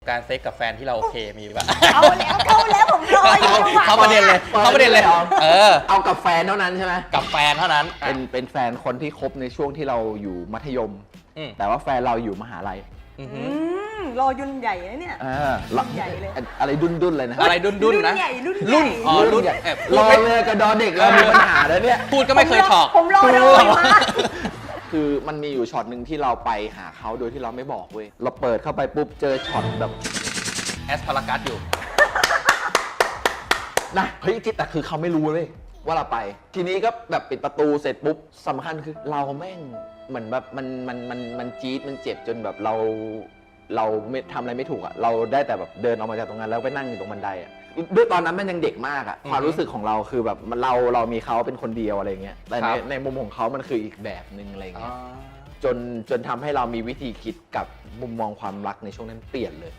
การเซ็กกับแฟนที่เราโอเคมีปะเอาแล้วผมรออยู่เข้าประเด็นเลยเอากับแฟนเท่านั้นใช่ไหมกับแฟนเท่านั้นเป็นแฟนคนที่คบในช่วงที่เราอยู่มัธยม แต่ว่าแฟนเราอยู่มหาลัยรอยุ่นใหญ่นะเนี่ยรุ่นใหญ่เลยอะไรดุนเลยนะอะไรดุนนะใหญ่รุ่นรุ่นอ๋อรุ่นรอเลยกับดอเด็กเรามีปัญหาแล้วเนี่ยพูดก็ไม่เคยถอกผมรอเลยมาคือมันมีอยู่ช็อตหนึ่งที่เราไปหาเขาโดยที่เราไม่บอกเว้ยเราเปิดเข้าไปปุ๊บเจอช็อตแบบแอสพารากัสอยู่นะเฮ้ยแต่คือเขาไม่รู้เลยว่าเราไป ทีนี้ก็แบบปิดประตูเสร็จปุ๊บสำคัญคือเราแม่งเหมือนแบบมันจี๊ดมันเจ็บจนแบบเราไม่ทำอะไรไม่ถูกอ่ะเราได้แต่แบบเดินออกมาจากตรงนั้นแล้วไปนั่งอยู่ตรงบันไดอ่ะด้วยตอนนั้นมันยังเด็กมากอ่ะความรู้สึกของเราคือแบบเรามีเขาเป็นคนเดียวอะไรเงี้ยแต่ในมุมของเขามันคืออีกแบบนึงอะไรเงี้ยจนทำให้เรามีวิธีคิดกับมุมมองความรักในช่วงนั้นเปลี่ยนเลย